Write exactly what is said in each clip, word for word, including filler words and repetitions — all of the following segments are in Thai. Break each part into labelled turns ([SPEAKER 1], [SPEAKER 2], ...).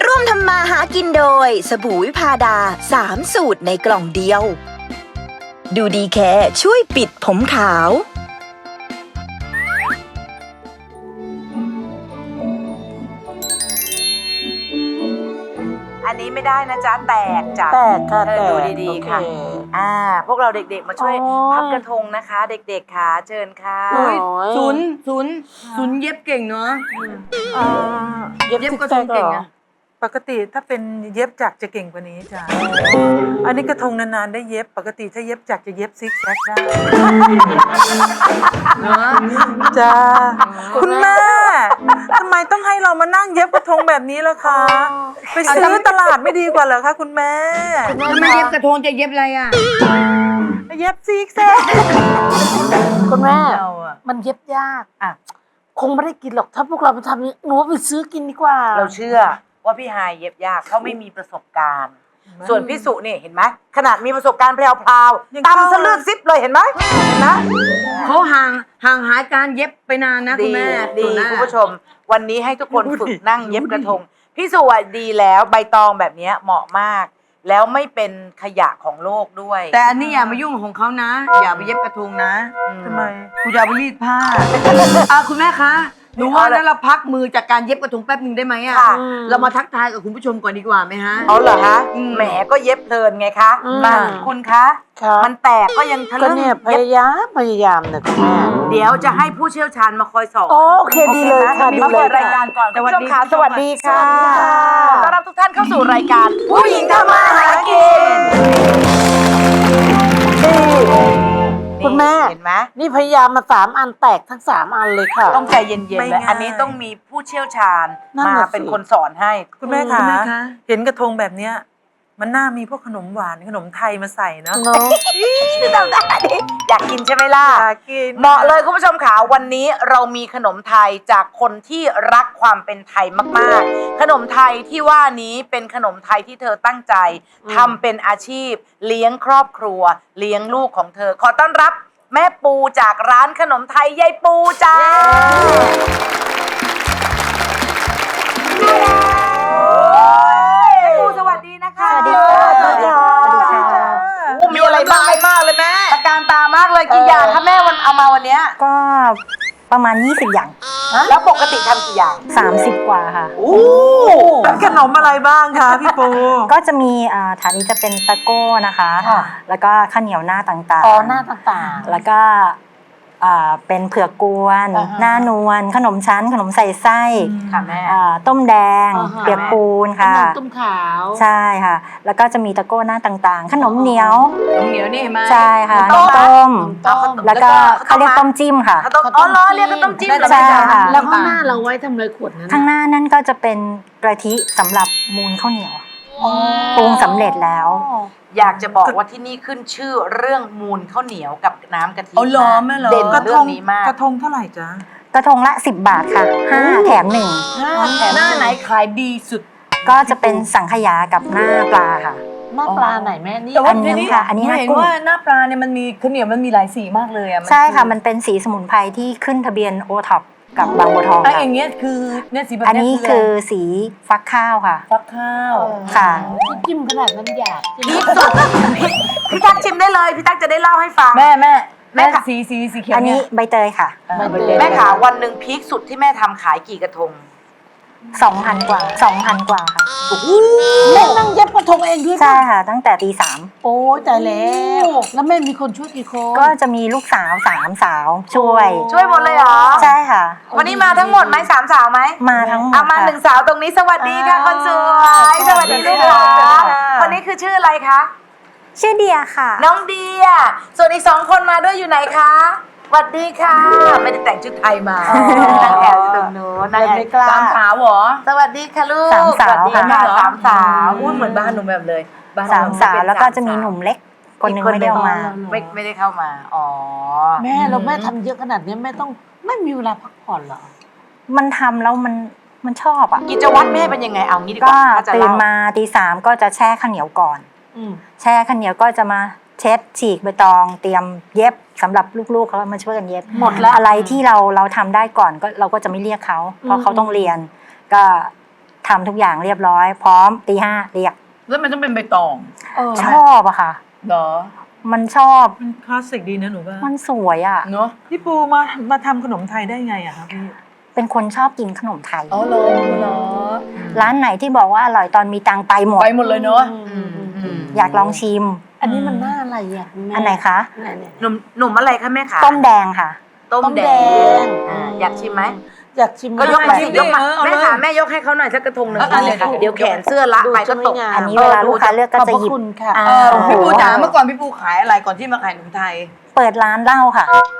[SPEAKER 1] ร่วมทำมาหากินโดยสบู่วิพาดาสามสูตรในกล่องเดียวดูดีแค่ช่วยปิดผมขาว
[SPEAKER 2] อันนี้ไม่ได้นะจ๊ะแตกจ้ะ
[SPEAKER 3] แตกค่ะ
[SPEAKER 2] เออ
[SPEAKER 3] แตก
[SPEAKER 2] ดูดีๆค่ะ
[SPEAKER 3] โอเค
[SPEAKER 2] อ่าพวกเราเด็กๆมาช่วย
[SPEAKER 3] โอ้ย
[SPEAKER 2] พับกระทงนะคะ เด็กๆค่ะเชิญค่ะ
[SPEAKER 3] โอ้ย
[SPEAKER 4] ศูนย์ศูนย์ศูนย์เย็บเก่งเนาะ
[SPEAKER 3] อ่า
[SPEAKER 4] เย็บกระทงเก่งอะ
[SPEAKER 5] ปกติถ้าเป็นเย็บจักรจะเก่งกว่านี้จ้ะ อันนี้กระทงนานๆได้เย็บ ปกติถ้าเย็บจักรจะเย็บซิกแซกได้
[SPEAKER 4] เนาะ
[SPEAKER 5] จ้าคุณแม่ทำไมต้องให้เรามานั่งเย็บกระทงแบบนี้ล่ะคะ ไปซื้อตลาดไม่ดีกว่าเหรอคะคุณแม่
[SPEAKER 4] ถ้าไม่เย็บกระทงจะเย็บอะไรอ่ะ
[SPEAKER 5] เย็บซิกแซก
[SPEAKER 3] คุณแม่
[SPEAKER 5] เราอะ
[SPEAKER 3] มันเย็บยาก
[SPEAKER 5] อ่ะ
[SPEAKER 3] คงไม่ได้กินหรอกถ้าพวกเราไปทำอย่างนี้หนูว่าไปซื้อกินดีกว่า
[SPEAKER 2] เราเชื่อว่าพี่ฮายเย็บยากเขาไม่มีประสบการณ์ ส่วนพี่สุนี่เห็นไหมขนาดมีประสบการณ์แพรวๆตำซะเลือกซิปเลยเห็นไหมเห็นไหม
[SPEAKER 4] เขาห่างห่างหายการเย็บไปนานนะคุ
[SPEAKER 2] ดี
[SPEAKER 4] ณแม่
[SPEAKER 2] ดี
[SPEAKER 4] ส่วนหน้า
[SPEAKER 2] คุณผู้ชม วันนี้ให้ทุกคนฝึกนั่งเย็บกระทงพี่สุอ่ะดีแล้วใบตองแบบเนี้ยเหมาะมาก แล้วไม่เป็นขยะของโลกด้วย
[SPEAKER 4] แต่อันนี้อย่ามายุ่งของเขานะ อย่าไปเย็บกระทงนะ
[SPEAKER 2] อื
[SPEAKER 5] ทำไม
[SPEAKER 4] กูจะเอาไปรีดผ้าอ่ะคุณแม่คะหนูว่านั้นเราพักมือจากการเย็บกระทงแป๊บหนึ่งได้ไหมอ่ะ
[SPEAKER 2] ค่ะ
[SPEAKER 4] เรามาทักทายกับคุณผู้ชมก่อนดีกว่าไหมฮะ
[SPEAKER 2] เอาเหรอคะ
[SPEAKER 4] อืม
[SPEAKER 2] แหมก็เย็บเพลินไงคะ
[SPEAKER 3] อืม
[SPEAKER 2] มาคุณคะ
[SPEAKER 3] ค่ะ
[SPEAKER 2] มันแตกก็ยังทะ
[SPEAKER 3] ก็
[SPEAKER 2] ลึ่ง
[SPEAKER 3] เนี่ยพ
[SPEAKER 2] เย็บ
[SPEAKER 3] ยายามพยายามนะคุณแม่
[SPEAKER 2] เดี๋ยวจะให้ผู้เชี่ยวชาญมาคอยสอน
[SPEAKER 3] โอโอเคดีเลยค่ะ
[SPEAKER 2] มี
[SPEAKER 3] ดี
[SPEAKER 2] มา
[SPEAKER 3] เล
[SPEAKER 2] เปิ
[SPEAKER 3] ย
[SPEAKER 2] ดรายการก่อนคุณผู้ชมค่ะสวัสดีค่ะ
[SPEAKER 3] สวัสดีค่ะ
[SPEAKER 2] ต้อนรับทุกท่านเข้าสู่รายการผู้หญิงทำมาหากิน
[SPEAKER 3] คุณแม่
[SPEAKER 2] เห็นไหม
[SPEAKER 3] นี่พยายามมาสามอันแตกทั้งสามอันเลยค่ะ
[SPEAKER 2] ต้องใจเย็นๆ
[SPEAKER 5] ไม่
[SPEAKER 2] เลย
[SPEAKER 5] ง่าย
[SPEAKER 2] อันนี้ต้องมีผู้เชี่ยวชาญ
[SPEAKER 3] นั่น
[SPEAKER 2] มา
[SPEAKER 3] น่ะสิ
[SPEAKER 2] เป็นคนสอนให้
[SPEAKER 5] คุณแม่
[SPEAKER 4] คุ
[SPEAKER 5] คะ
[SPEAKER 4] ณแม่คะ
[SPEAKER 5] เห็นกระทงแบบเนี้ย มันน่ามีพวกขนมหวานขนมไทยมาใส่เนาะ
[SPEAKER 3] เนาะ
[SPEAKER 2] อยากกินใช่ไหมล่ะ
[SPEAKER 5] อยากกิน
[SPEAKER 2] เหมาะเลยคุณผู้ชมค่ะวันนี้เรามีขนมไทยจากคนที่รักความเป็นไทยมากๆ ขนมไทยที่ว่านี้เป็นขนมไทยที่เธอตั้งใจทำเป็นอาชีพ เลี้ยงครอบครัว เลี้ยงลูกของเธอ ขอต้อนรับแม่ปูจากร้านขนมไทยยายปูจ้าแม่ปูสวัสดีนะคะ
[SPEAKER 3] สวัสดีค่ะ
[SPEAKER 2] สวัสดีค่ะ
[SPEAKER 3] สวัสดีค่ะ
[SPEAKER 2] โอ้มีอะไรบ้างมากเลยแม่ตะการตามากเลยกี่อย่างคะแม่วันเอามาวันเนี้ย
[SPEAKER 6] ก็ประมาณยี่สิบอย่าง
[SPEAKER 2] แล้วปกติทำกี่อย่าง
[SPEAKER 6] สามสิบกว่าค่ะ
[SPEAKER 2] โอ้
[SPEAKER 5] เป็นขนมอะไรบ้างคะพี่ปู
[SPEAKER 6] ก็จะมีอ่าฐานนี้จะเป็นตะโก้นะคะ
[SPEAKER 2] ค่ะ
[SPEAKER 6] แล้วก็ข้าวเหนียวหน้าต่างๆ
[SPEAKER 3] อ๋อหน้าต่างๆ
[SPEAKER 6] แล้วก็อ่าเป็นเผือกกวน
[SPEAKER 3] อ่าฮะ
[SPEAKER 6] หน้านวลขนมชั้น ขนมใส่ไส้
[SPEAKER 2] ค่ะแม่
[SPEAKER 6] อ่าต้มแดง
[SPEAKER 3] อ่าฮะ
[SPEAKER 6] เปียกปูนค่ะ
[SPEAKER 3] ขนมตุ้มขาว
[SPEAKER 6] ใช่ค่ะ แล้วก็จะมีตะโก้หน้าต่างๆ ขนมเหนียว
[SPEAKER 4] น้ำเหนียวนี่เห็นไหม
[SPEAKER 6] ใช่ค่ะ
[SPEAKER 2] ต้
[SPEAKER 6] น้ำ
[SPEAKER 2] ม
[SPEAKER 6] ต้ม
[SPEAKER 3] ต้ม
[SPEAKER 6] แล้วก็
[SPEAKER 2] แล้วก็
[SPEAKER 6] เขาเรียกต้มจิ้มค่ะ
[SPEAKER 2] ข้าวต้มอ๋อเหรอเรียกข้าวต้มจิ้มเหรอ
[SPEAKER 6] ใช่
[SPEAKER 2] แม่จ๋า
[SPEAKER 6] ค่ะ
[SPEAKER 3] แล้วข้างหน้าเราไว้ทำอะไรขวดนั้น
[SPEAKER 6] ข้างหน้านั่นก็จะเป็นกะทิสำหรับมูลข้าวเหนียวปรุงสำเร็จแล้ว
[SPEAKER 2] อยากจะบอกว่าที่นี่ขึ้นชื่อเรื่องมูลข้าวเหนียวกับน้ำกะทิ
[SPEAKER 4] เอาเหรอแม่เหรอ
[SPEAKER 2] เด่น
[SPEAKER 5] กระท
[SPEAKER 2] เรื่อง งนี้มาก
[SPEAKER 5] กระทงเท่าไหร่จ๊ะ
[SPEAKER 6] กระทงละสิบบาทค่ะห้าแถมหนึ่ง
[SPEAKER 4] หน้าไหนขายดีสุด
[SPEAKER 6] ก็จะเป็นสังขยากับหน้าปลาค่ะ
[SPEAKER 3] หน้าปลาไหนแม่นี่
[SPEAKER 4] แต่ว่า
[SPEAKER 6] อันนี้
[SPEAKER 4] ทีนี้
[SPEAKER 6] ค่ะอันนี้
[SPEAKER 4] ห
[SPEAKER 6] หน้า
[SPEAKER 4] เห็น
[SPEAKER 6] กุ้ง
[SPEAKER 4] ว่าหน้าปลาเนี่ยมันมีข้าวเหนียวมันมีหลายสีมากเลยอ่ะ
[SPEAKER 6] ใช่ค่ะ มันเป็นสีสมุนไพรที่ขึ้นทะเบียนโอท็อปกับบางบัวทอง
[SPEAKER 4] ไอ้
[SPEAKER 6] ค่ะ
[SPEAKER 4] อย่างเงี้ยคือเนี่ยสีแบบ
[SPEAKER 6] อัน
[SPEAKER 4] เนี้ย
[SPEAKER 6] นี้คือสีฟักข้าวค่ะ
[SPEAKER 4] ฟักข้าว
[SPEAKER 6] ค่ะ
[SPEAKER 3] จิ้มขนาดนั้นอยาก
[SPEAKER 2] พีคสุดพี่พี่ตั๊กชิมได้เลยพี่ตั๊กจะได้เล่าให้ฟัง
[SPEAKER 4] แม่แม่
[SPEAKER 2] แม่
[SPEAKER 4] แม่
[SPEAKER 2] ค่ะ
[SPEAKER 4] สีสีสีเขียว
[SPEAKER 6] อันนี้
[SPEAKER 4] เนี่ย
[SPEAKER 6] ใบเตยค่ะ
[SPEAKER 4] อ่า
[SPEAKER 3] ใบเตย
[SPEAKER 2] แม่ขาวันหนึ่งพีคสุดที่แม่ทำขายกี่กระทง
[SPEAKER 6] สองพันกว่าสองพันกว่าค่ะ
[SPEAKER 3] แม่นั่งเย็บกระทงเองด้วย
[SPEAKER 6] ใช่ค่ะ ตั้งแต่ตีสาม
[SPEAKER 3] โอ้ยตายแล้ว แล้วแม่มีคนช่วยกี่คน
[SPEAKER 6] ก็จะมีลูกสาวสามสาวช่วย
[SPEAKER 2] ช่วยหมดเลยเหรอ
[SPEAKER 6] ใช่ค่ะ
[SPEAKER 2] วันนี้มาทั้งหมดไหมสามสาวไหม
[SPEAKER 6] มาทั้งหมด
[SPEAKER 2] เอามา
[SPEAKER 6] ค่ะ
[SPEAKER 2] หนึ่งสาวตรงนี้สวัสดีค่ะคนสวยสวัสดีลูกหลานคนนี้คือชื่ออะไรคะ
[SPEAKER 6] ชื่อเดียค่ะ
[SPEAKER 2] น้องเดีย ส่วนอีกสองคนมาด้วยอยู่ไหนคะสวัสดีค่ะ ไม่ได้แต่งชุดไทยมานั่งแอบอยู่ตรงนู้นนั่งแอบ
[SPEAKER 3] ไม่กล้า
[SPEAKER 4] ตามขาวเหรอ
[SPEAKER 2] สวัสดีค่ะลูก
[SPEAKER 6] สามสาว
[SPEAKER 2] วัสดีค่ะ
[SPEAKER 6] ค่ะ
[SPEAKER 2] สามสาว
[SPEAKER 4] อุ้ยเหมือนบ้านหนูแบบเลยบ้นหนู
[SPEAKER 6] สามสาว
[SPEAKER 4] เป็น
[SPEAKER 6] แล้วก็จะมี
[SPEAKER 4] สา
[SPEAKER 6] หนุ่มเล็ก คนหนึ่ง
[SPEAKER 2] อีก
[SPEAKER 6] ไม่ได้เอามา
[SPEAKER 2] ไม่ไม่ได้เข้ามา อ๋อ
[SPEAKER 3] แม่เราแม่ทำเยอะขนาดนี้แม่ต้องไม่มีเวลาพักผ่อนเหรอ
[SPEAKER 6] มันทำแล้วมันมันชอบอ่ะ
[SPEAKER 2] กิจวัตรแม่เป็นยังไงเอางี้ดีก
[SPEAKER 6] ก็
[SPEAKER 2] ว่าถ้าจะ
[SPEAKER 6] ตื่น
[SPEAKER 2] เล่า
[SPEAKER 6] มาตีสามก็จะแช่ข้าวเหนียวก่อน
[SPEAKER 3] อืม
[SPEAKER 6] แช่ข้าวเหนียวก็จะมาเช็ดฉีกใบตอง เตรียมเย็บสำหรับลูกๆเขามาช่วยกันเย็บ
[SPEAKER 3] หมดแล้ว
[SPEAKER 6] อะไรที่เราเราทำได้ก่อนก็เราก็จะไม่เรียกเขาเพราะเขาต้องเรียน ก็ทำทุกอย่างเรียบร้อย พร้อมตีห้าเรียก
[SPEAKER 4] แล้วมันต้องเป็นใบตอง
[SPEAKER 6] ชอบอะค่ะ
[SPEAKER 4] เหรอ
[SPEAKER 6] มันชอบ
[SPEAKER 5] มันคลาสสิกดีนะหนูว่า
[SPEAKER 6] มันสวยอะ
[SPEAKER 4] เนาะ
[SPEAKER 5] พี่ปูมามาทำขนมไทยได้ไงอะคะพี่
[SPEAKER 6] เป็นคนชอบกินขนมไทย
[SPEAKER 4] อ๋อเหรอเหรอ
[SPEAKER 6] ร้านไหนที่บอกว่าอร่อยตอนมีตังค์ไปหมด
[SPEAKER 4] ไปหมดเลยเนาะ
[SPEAKER 2] อืมอืม
[SPEAKER 6] อยากลองชิม
[SPEAKER 3] อันนี้มันหน้าอะไรอ่ะแม่
[SPEAKER 6] อันไหนคะ
[SPEAKER 3] เนี่ยๆ
[SPEAKER 2] หนุ่มหนุ่มอะไรคะแม่ขา
[SPEAKER 6] ต้มแดงค่ะ
[SPEAKER 2] ต้ม
[SPEAKER 3] ต้ม
[SPEAKER 2] แด
[SPEAKER 3] แด
[SPEAKER 2] ง
[SPEAKER 3] ง
[SPEAKER 2] อ่าอยากชิมไหม
[SPEAKER 3] อยากชิม
[SPEAKER 2] ก็ยกมาสิ
[SPEAKER 3] ได้
[SPEAKER 2] ยกมา
[SPEAKER 4] เออเอาเลย
[SPEAKER 2] แม่ขาแม่ยกให้เขาหน่อยสักกระทงหนึ่ง
[SPEAKER 4] เออเอาเลยค่ะ
[SPEAKER 2] เดี๋ยวแขนเสื้อละ
[SPEAKER 3] ดู
[SPEAKER 2] ไปก็ตก
[SPEAKER 3] จะไม่งาม
[SPEAKER 6] อันนี้เวลาลูกค้าเลือกก็
[SPEAKER 3] ขอบ
[SPEAKER 6] จะ
[SPEAKER 3] พระ
[SPEAKER 6] หยิบ
[SPEAKER 3] คุณค่ะ
[SPEAKER 6] อ่า
[SPEAKER 4] เออพี่ปูจ๋าเมื่อก่อนพี่ปูขายอะไรก่อนที่มาขายขนมไทย
[SPEAKER 6] เปิดร้านเหล้าค่ะ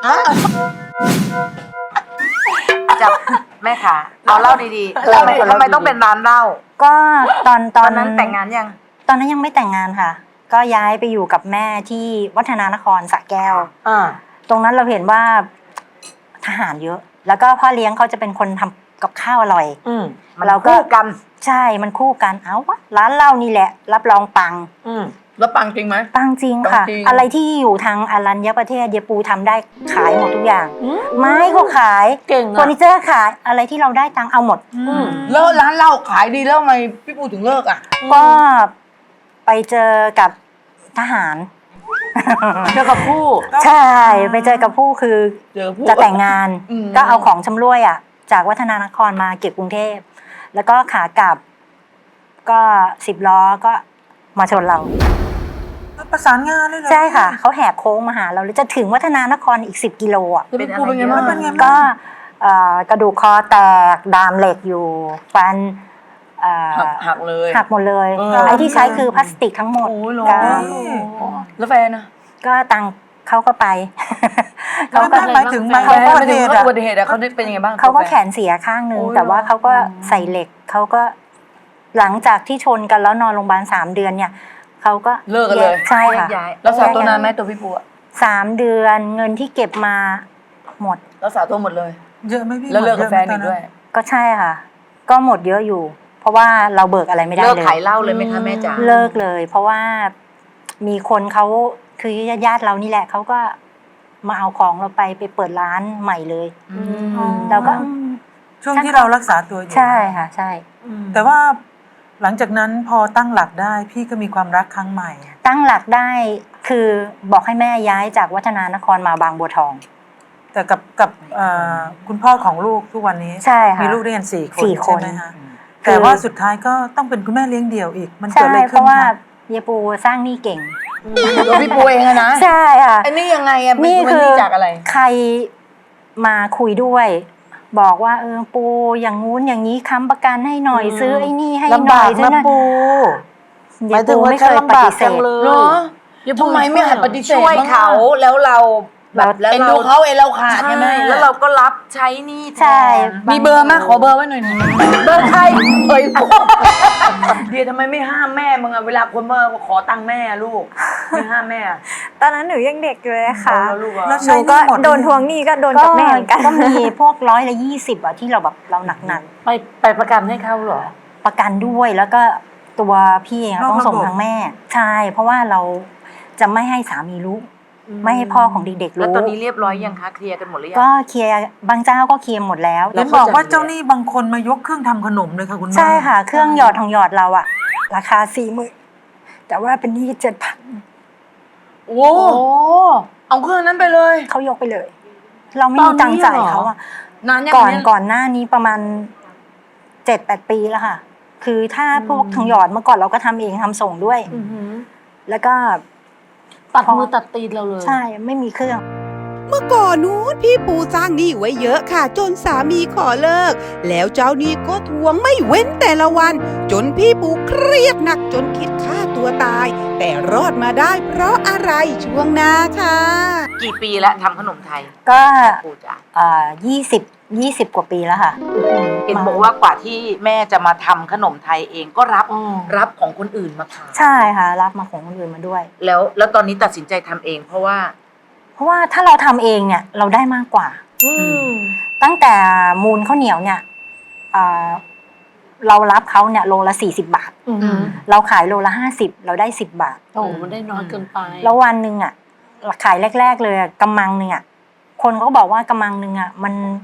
[SPEAKER 2] จับแม่ขาเอาเหล้าดีๆ
[SPEAKER 6] เหล้า
[SPEAKER 2] ทำไม
[SPEAKER 6] คนละ
[SPEAKER 2] ทำไมต้องเป็นร้านเหล้า
[SPEAKER 6] ก็ตอนต
[SPEAKER 2] ต
[SPEAKER 6] อ
[SPEAKER 2] อน นนั้นแต่งงานยัง
[SPEAKER 6] ตอนนั้นยังไม่แต่งงานค่ะ ก็ย้ายไปอยู่กับแม่ที่วัฒนานครสระแก้ว
[SPEAKER 3] อ่า
[SPEAKER 6] ตรงนั้นเราเห็นว่าทหารเยอะ แล้วก็พ่อเลี้ยงเขาจะเป็นคนทำกับข้าวอร่อย
[SPEAKER 3] อืม
[SPEAKER 2] มัน
[SPEAKER 6] เราก็
[SPEAKER 2] คู่กัน
[SPEAKER 6] ใช่มันคู่กันเอาวะร้านเหล้านี่แหละ รับรองปัง
[SPEAKER 3] อืม
[SPEAKER 4] แล้วปังจริงไหม
[SPEAKER 6] ปังจริงค่ะ
[SPEAKER 4] ปังจริง
[SPEAKER 6] อะไรที่อยู่ทางอารัญญประเทศเยปูทำได้ขายหมดทุกอย่าง
[SPEAKER 3] อืม
[SPEAKER 6] ไม้ก็ขาย
[SPEAKER 3] เก่ง
[SPEAKER 6] เฟอ
[SPEAKER 3] อ่ะ
[SPEAKER 6] ร์นิเจอร์ขายอะไรที่เราได้ตังค์เอาหมด
[SPEAKER 3] อืม
[SPEAKER 4] แล้วร้านเหล้าขายดีแล้วทำไมพี่ปูถึงเลิกอ่ะ
[SPEAKER 6] ก็ไปเจอกับทหาร
[SPEAKER 3] เจอกับผู้
[SPEAKER 6] ใช่ไปเจอกับผู้คือ
[SPEAKER 4] เจอผู้
[SPEAKER 6] จะแต่งงาน
[SPEAKER 4] อืม
[SPEAKER 6] ก็เอาของชำร่วยอ่ะ จากวัฒนานครมาเก็บกรุงเทพ แล้วก็ขากลับ ก็สิบล้อก็มาชนเรา
[SPEAKER 5] ประสานงานเลยเหรอ
[SPEAKER 6] ใช่ค่ะ เขาแหกโค้งมาหาเราเลยจะถึงวัฒนานครอีกสิบกิโลอ่ะ
[SPEAKER 4] แล้วพี่ปูเป็นไงบ้าง
[SPEAKER 5] เป็นไง
[SPEAKER 6] ก็
[SPEAKER 5] บ้าง
[SPEAKER 6] เอ่อกระดูกคอแตกดามเหล็กอยู่ฟันเอ่อ
[SPEAKER 4] หักหักเลย
[SPEAKER 6] หักหมดเลย
[SPEAKER 4] เออ
[SPEAKER 6] ไอ้ที่ใช้คือพลาสติกทั้งหมด
[SPEAKER 4] โอ้ยเหรอ
[SPEAKER 6] ก็
[SPEAKER 4] แล้วแฟนนะ
[SPEAKER 6] ก็ตังค์เขาก็ไป
[SPEAKER 5] เขา
[SPEAKER 6] เขา
[SPEAKER 5] ก็
[SPEAKER 6] ก็
[SPEAKER 5] หมายถึงหมาย
[SPEAKER 4] แฟ
[SPEAKER 5] ถึง
[SPEAKER 4] น
[SPEAKER 5] อุ
[SPEAKER 4] ไม่
[SPEAKER 5] บัติ
[SPEAKER 4] ถึ
[SPEAKER 5] เห
[SPEAKER 4] ง
[SPEAKER 5] ตุอะ
[SPEAKER 4] อุบัติเหตุอะเขาได้เป็นยังไงบ้าง
[SPEAKER 6] เขาก็
[SPEAKER 4] ตัว
[SPEAKER 6] แขนเสียข้างหนึ่ง
[SPEAKER 4] โอ้ย
[SPEAKER 6] แต่ว่า
[SPEAKER 4] เหรอ
[SPEAKER 6] เขาก็ใส่เหล็กเขาก็หลังจากที่ชนกันแล้วนอนโรงพยาบาลสามเดือนเนี่ยเขาก็
[SPEAKER 4] เลิกกันเลย
[SPEAKER 6] ใช่ค่ะ
[SPEAKER 2] แยกย้าย
[SPEAKER 4] รักษาตัวนานไหมตัวพี่ปูอะ
[SPEAKER 6] สามเดือนเงินที่เก็บมาหมด
[SPEAKER 4] รักษาตัวหมดเลย
[SPEAKER 5] เยอะไหมพี่
[SPEAKER 4] แล้วเลิกกับ
[SPEAKER 5] หม
[SPEAKER 4] แฟ
[SPEAKER 5] ย
[SPEAKER 4] น
[SPEAKER 5] อะไหม
[SPEAKER 4] อีกด้วย
[SPEAKER 6] ก็ใช่ค่ะ ก็หมดเยอะอยู่ เพราะว่าเราเบิกอะไรไม่ได้
[SPEAKER 2] เลิก
[SPEAKER 6] เลย
[SPEAKER 2] ขายเหล้าเลยไหมคะแม่จ๋า
[SPEAKER 6] เลิกเลย เพราะว่ามีคนเขาคือญาติๆเรานี่แหละเขาก็มาเอาของเราไปไปเปิดร้านใหม่เลย
[SPEAKER 2] อืม
[SPEAKER 6] เราก็อืม
[SPEAKER 5] ช่วงที่เรารักษาตัวอยู่
[SPEAKER 6] ใช่ค่ะ ใช่
[SPEAKER 5] แต่ว่าหลังจากนั้นพอตั้งหลักได้พี่ก็มีความรักครั้งใหม่
[SPEAKER 6] ตั้งหลักได้คือบอกให้แม่ย้ายจากวัฒนานครมาบางบัวทอง
[SPEAKER 5] แต่กับกับเอ่อคุณพ่อของลูกทุกวันนี้
[SPEAKER 6] ใช่ค่ะ
[SPEAKER 5] มีลูกด้วยกันสี่คน
[SPEAKER 6] สี่คน
[SPEAKER 5] ใช่ไหมคะ
[SPEAKER 6] คือ
[SPEAKER 5] แต่ว่าสุดท้ายก็ต้องเป็นคุณแม่เลี้ยงเดี่ยวอีก มันเกิด
[SPEAKER 6] ใช่
[SPEAKER 5] อะไร
[SPEAKER 6] เพ
[SPEAKER 5] ขึ้น
[SPEAKER 6] ราะว่า
[SPEAKER 5] คะ
[SPEAKER 6] เยปูสร้างหนี้เก่ง
[SPEAKER 4] ตัวพี่ปูเองอะนะ
[SPEAKER 6] ใช่ค่ะ
[SPEAKER 4] ไอ้นี่ยังไงอะ
[SPEAKER 6] นี่
[SPEAKER 4] เป็
[SPEAKER 6] คือ
[SPEAKER 4] จากอะไร
[SPEAKER 6] ใครมาคุยด้วย บอกว่าเออปูอย่างงู้นอย่างนี้ค้ำประกันให้หน่อย
[SPEAKER 3] อืม
[SPEAKER 6] ซื้อไอ้นี่ให้ห
[SPEAKER 3] ลำ
[SPEAKER 6] น่
[SPEAKER 3] บา
[SPEAKER 6] อก ยซื้อ
[SPEAKER 3] นะ
[SPEAKER 6] นั่น
[SPEAKER 3] ปูห
[SPEAKER 6] เย
[SPEAKER 3] มายถึ
[SPEAKER 6] ปู
[SPEAKER 3] งว่า
[SPEAKER 6] ไม่
[SPEAKER 3] ฉั
[SPEAKER 6] เคน ยป
[SPEAKER 3] ลำบาก
[SPEAKER 6] ฏิเส
[SPEAKER 3] จัง
[SPEAKER 6] ธ
[SPEAKER 3] เล
[SPEAKER 4] เหรอย ทำไมไม่หัดปฏิเสธ
[SPEAKER 2] ช่วย
[SPEAKER 4] บ้างอะ
[SPEAKER 2] เขาแล้วเราแบบแล้ว
[SPEAKER 4] เอ็น
[SPEAKER 2] เรา
[SPEAKER 4] ดูเขาเอ็นเราขาดใช่ไหม
[SPEAKER 2] แล้วเราก็รับใช้หนี่แทน
[SPEAKER 6] ใช่
[SPEAKER 4] มีเบอร์ไหมขอเบอร์ไว้หน่อยหนึง
[SPEAKER 2] เบอร์ใครเอ้ย
[SPEAKER 4] เดียทำไมไม่ห้ามแม่มึงอะเวลาคนมาขอตังค์แม่อะลูกไม่ห้ามแม่อะ
[SPEAKER 7] ตอนนั้นหนูยังเด็กอยู่เลยค่ะ
[SPEAKER 4] เอาลูกอะ
[SPEAKER 5] แล้ว
[SPEAKER 7] ห
[SPEAKER 5] ใช้
[SPEAKER 7] นู
[SPEAKER 5] ห
[SPEAKER 7] ก็
[SPEAKER 5] นี้หมด
[SPEAKER 7] โดนทวงหนี้ก็โดน
[SPEAKER 6] ก็
[SPEAKER 7] กับแม่เหมือนกัน
[SPEAKER 6] ก็มีพวกร้อยละยี่สิบอะที่เราแบบเราหนักหนัก
[SPEAKER 3] ไปไปประกันให้เขาเหรอ
[SPEAKER 6] ๆประกันด้วยแล้วก็ตัวพี่เองอะต้องส่งทางแม่ ใช่ เพราะว่าเราจะไม่ให้สามีรู้ ไม่ให้พ่อของเด็กๆ
[SPEAKER 2] แล้ว
[SPEAKER 6] รู้
[SPEAKER 2] ตอนนี้เรียบร้อยยังคะเคลียร์กันหมดหรือยัง
[SPEAKER 6] ก็เคลียร์บางเจ้าก็เคลียร์หมดแล้ว
[SPEAKER 5] เห็นบอกว่าเจ้าหนี้บางคนมายกเครื่องทำขนมเลยค่ะคุณแม่
[SPEAKER 6] ใช่ค่ะ เครื่องหยอดทองหยอดเราอะราคาสี่หมื่นแต่ว่าเป็นหนี้เจ็ดพัน
[SPEAKER 4] โอ้เอาเครื่องนั้นไปเลย
[SPEAKER 6] เขายกไปเลย เราไม่มีตังค์จ่ายเขาอะ
[SPEAKER 4] นานยัง
[SPEAKER 6] ก่อน
[SPEAKER 4] เย
[SPEAKER 6] ก่อนหน้านี้ประมาณเจ็ดแปดปีแล้วค่ะ คือถ้าพวกทองหยอดเมื่อก่อนเราก็ทำเองทำส่งด้วย
[SPEAKER 3] อือหือ
[SPEAKER 6] แล้วก็
[SPEAKER 3] ตัดมือตัดตีนเราเลย
[SPEAKER 6] ใช่ไม่มีเครื่อง
[SPEAKER 8] เมื่อก่อนนู้นพี่ปูสร้างหนี้ไว้เยอะค่ะ จนสามีขอเลิก แล้วเจ้าหนี้ก็ทวงไม่เว้นแต่ละวัน จนพี่ปูเครียดหนักจนคิดฆ่าตัวตาย แต่รอดมาได้เพราะอะไรช่วงหน้าค่ะ
[SPEAKER 2] กี่ปีแล้วทำขนมไทย
[SPEAKER 6] ก็
[SPEAKER 2] ปูจ๋า
[SPEAKER 6] อ่ายี่สิบยี่สิบกว่าปีแล้วค่ะ
[SPEAKER 2] เห็นบอกว่ากว่าที่แม่จะมาทำขนมไทยเองก็รับ
[SPEAKER 3] อ๋อ
[SPEAKER 2] รับของคนอื่นมาขาย
[SPEAKER 6] ใช่ค่ะ รับมาของคนอื่นมาด้วย
[SPEAKER 2] แล้วแล้วตอนนี้ตัดสินใจทำเอง เพราะว่า
[SPEAKER 6] เพราะว่าถ้าเราทำเองเนี่ยเราได้มากกว่า
[SPEAKER 3] อืม
[SPEAKER 6] ตั้งแต่มูลข้าวเหนียวเนี่ยอ่าเรารับเขาเนี่ยโลละสี่สิบบาท
[SPEAKER 3] อือหือ
[SPEAKER 6] เราขายโลละห้าสิบเราได้สิบบาท
[SPEAKER 3] โอ้โหมันได้น้อยเกินไป
[SPEAKER 6] แล้ววันหนึ่งอ่ะขายแรก ๆ เลยอะกำมังหนึ่งอ่ะคนเขาก็บอกว่ากำมังหนึ่งอ่ะมัน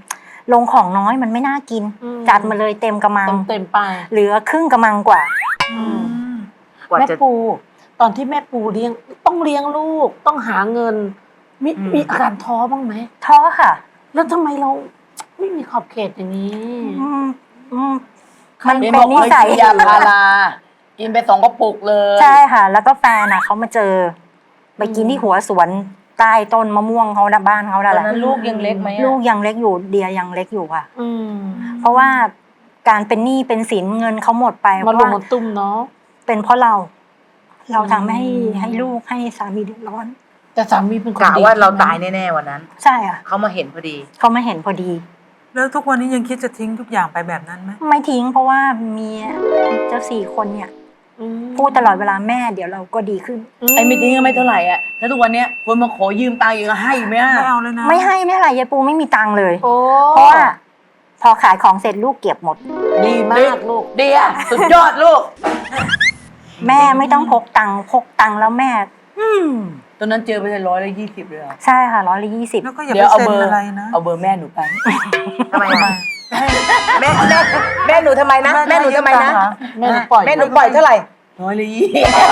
[SPEAKER 6] ลงของน้อยมันไม่น่ากิน
[SPEAKER 3] อืม
[SPEAKER 6] จัดมาเลยเต็มกระมัง
[SPEAKER 3] เต็มเต็มๆไป
[SPEAKER 6] เหลือครึ่งกระมังกว่า
[SPEAKER 2] กว่า
[SPEAKER 3] แม่
[SPEAKER 2] จะ
[SPEAKER 3] ปู ตอนที่แม่ปูเลี้ยงต้องเลี้ยงลูกต้องหาเงิน มี
[SPEAKER 2] อืม
[SPEAKER 3] มีอาการท้อบ้างไหม
[SPEAKER 6] ท้อค่ะ
[SPEAKER 3] แล้วทำไมเราไม่มีขอบเขตอย่างนี้
[SPEAKER 6] อืมอืมมัน
[SPEAKER 4] เห็น
[SPEAKER 6] เป็
[SPEAKER 4] บอน ก
[SPEAKER 6] นิ
[SPEAKER 4] เคย
[SPEAKER 6] สัย
[SPEAKER 4] กินยาพารากินไปสองกระปุกเลย
[SPEAKER 6] ใช่ค่ะ แล้วก็แฟนอ่ะเขามาเจอ ไปกินที่หัวสวนใต้ต้นมะม่วงเขานะบ้านเขา
[SPEAKER 2] ต
[SPEAKER 6] นั่
[SPEAKER 2] อน
[SPEAKER 6] นแหละ
[SPEAKER 2] นั้นลูกยังเล็กไหมอะ
[SPEAKER 6] ลูกยังเล็กอยู่เดียยังเล็กอยู่ค่ะ
[SPEAKER 3] อืม
[SPEAKER 6] เพราะว่าการเป็นหนี้เป็นสินเงินเขาหมดไปเพ
[SPEAKER 3] มา
[SPEAKER 6] ราะ
[SPEAKER 3] ลง
[SPEAKER 6] ว่า
[SPEAKER 3] มาตุ้มเนาะ
[SPEAKER 6] เป็นเพราะเรา เราทำให้
[SPEAKER 3] อืม
[SPEAKER 6] ให้ลูกให้สามีเดือดร้อน
[SPEAKER 3] แต่สามีเป็นคน
[SPEAKER 2] กะ
[SPEAKER 3] ดี
[SPEAKER 2] ว่าเรา
[SPEAKER 3] ใช่ไหม
[SPEAKER 2] ตายแน่ๆวันนั้น
[SPEAKER 6] ใช่ค่ะ
[SPEAKER 2] เขามาเห็นพอดี
[SPEAKER 6] เขามาเห็นพอดี
[SPEAKER 5] แล้วทุกวันนี้ยังคิดจะทิ้งทุกอย่างไปแบบนั้นไหม
[SPEAKER 6] ไม่ทิ้งเพราะว่ามีเจ้าสี่คนเนี่ย
[SPEAKER 3] อืม
[SPEAKER 6] พูดตลอดเวลาแม่เดี๋ยวเราก็ดีขึ้น
[SPEAKER 4] ไอ้ไม่ทิ้งก็ไม่เท่าไหร่อ่ะถ้าทุกวันเนี้ยคนมาขอยืมตังค์อีกก็ให้ไหมอ่ะ
[SPEAKER 5] ไม่เอาเลยนะ
[SPEAKER 6] ไม่ให้ไม่อะไรยายปูไม่มีตังค์เลย
[SPEAKER 3] โอ้
[SPEAKER 6] เพราะว่าพอขายของเสร็จลูกเก็บหมด
[SPEAKER 3] ดีมากลูก
[SPEAKER 4] เดียสุดยอดลูก
[SPEAKER 6] แม่ไม่ต้องพกตังค์พกตังค์แล้วแม่ อืม
[SPEAKER 4] ตอนนั้นเจอไปเลยร้อยละยี่สิบเลยเหรอ
[SPEAKER 6] ใช่ค่ะร้อยละยี่สิบ
[SPEAKER 5] แล้วก็อย่า
[SPEAKER 4] เดี๋
[SPEAKER 5] ไป
[SPEAKER 4] ยวเอา
[SPEAKER 5] เซ็
[SPEAKER 4] เบ
[SPEAKER 5] น
[SPEAKER 4] อร์
[SPEAKER 5] อะไรนะ
[SPEAKER 4] เอาเบอร์แม่หนูไป
[SPEAKER 2] ทำไมอะแม่แม่แม่หนูทำไมนะ แม่หนูทำไมนะ
[SPEAKER 3] แม่หนูปล่อย
[SPEAKER 2] แม่หนูปล่อยเท่าไหร่
[SPEAKER 4] ร้อยละยี่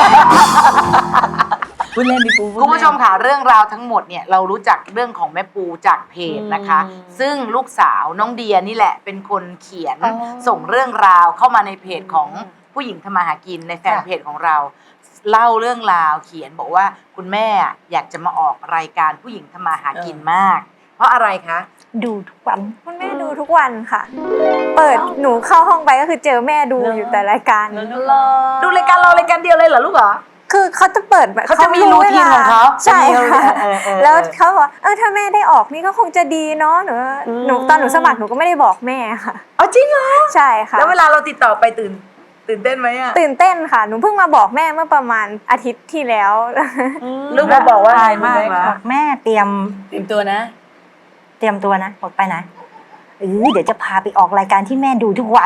[SPEAKER 4] พูดเล่นดิปูด
[SPEAKER 2] คุณผู้ชมค่ะเรื่องราวทั้งหมดเนี่ยเรารู้จักเรื่องของแม่ปูจากเพจนะคะ ซึ่งลูกสาวน้องเดียนี่แหละเป็นคนเขียนส่งเรื่องราวเข้ามาในเพจของผู้หญิงทำมาหากินในแฟนเพจของเรา เล่าเรื่องราวเขียนบอกว่าคุณแม่อยากจะมาออกรายการผู้หญิงทำมาหากินมาก เพราะอะไรคะ
[SPEAKER 6] ดูทุกวัน
[SPEAKER 7] คุณแม่ดูทุกวันค่ะ เปิดหนูเข้าห้องไปก็คือเจอแม่ดูอยู่แต่รายการ
[SPEAKER 2] ดูรายการเรารายการเดียวเลยเหรอลูกเหรอ
[SPEAKER 7] คือเขาจะเปิดแบบ
[SPEAKER 2] เขาจะมีรูทีนของเขา
[SPEAKER 7] ใช่ค่ะ
[SPEAKER 2] เออเออเออ
[SPEAKER 7] แล้วเขาบอกว่าเออถ้าแม่ได้ออกนี่ก็คงจะดีเนาะหนูหนูตอนหนูสมัครหนูก็ไม่ได้บอกแม่ค่ะ
[SPEAKER 2] อ๋อจริงเหรอ
[SPEAKER 7] ใช่ค่ะ
[SPEAKER 2] แล้วเวลาเราติดต่อไปตื่น ตื่นเต้นไหมอะ
[SPEAKER 7] ตื่นเต้นค่ะ หนูเพิ่งมาบอกแม่เมื่อประมาณอาทิตย์ที่แล้ว
[SPEAKER 2] ลูกมาบอกว่า
[SPEAKER 5] อายมากเหรอ
[SPEAKER 6] บอกแม่เตรียม
[SPEAKER 4] เตรียมตัวนะ
[SPEAKER 6] เตรียมตัวนะบอกไปนะเออเดี๋ยวจะพาไปออกรายการที่แม่ดูทุกวัน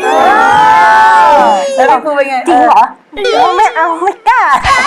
[SPEAKER 4] แล้วพี่ปูเป็นไง
[SPEAKER 6] จริงเหรอเออไม่เอาไม่กล้า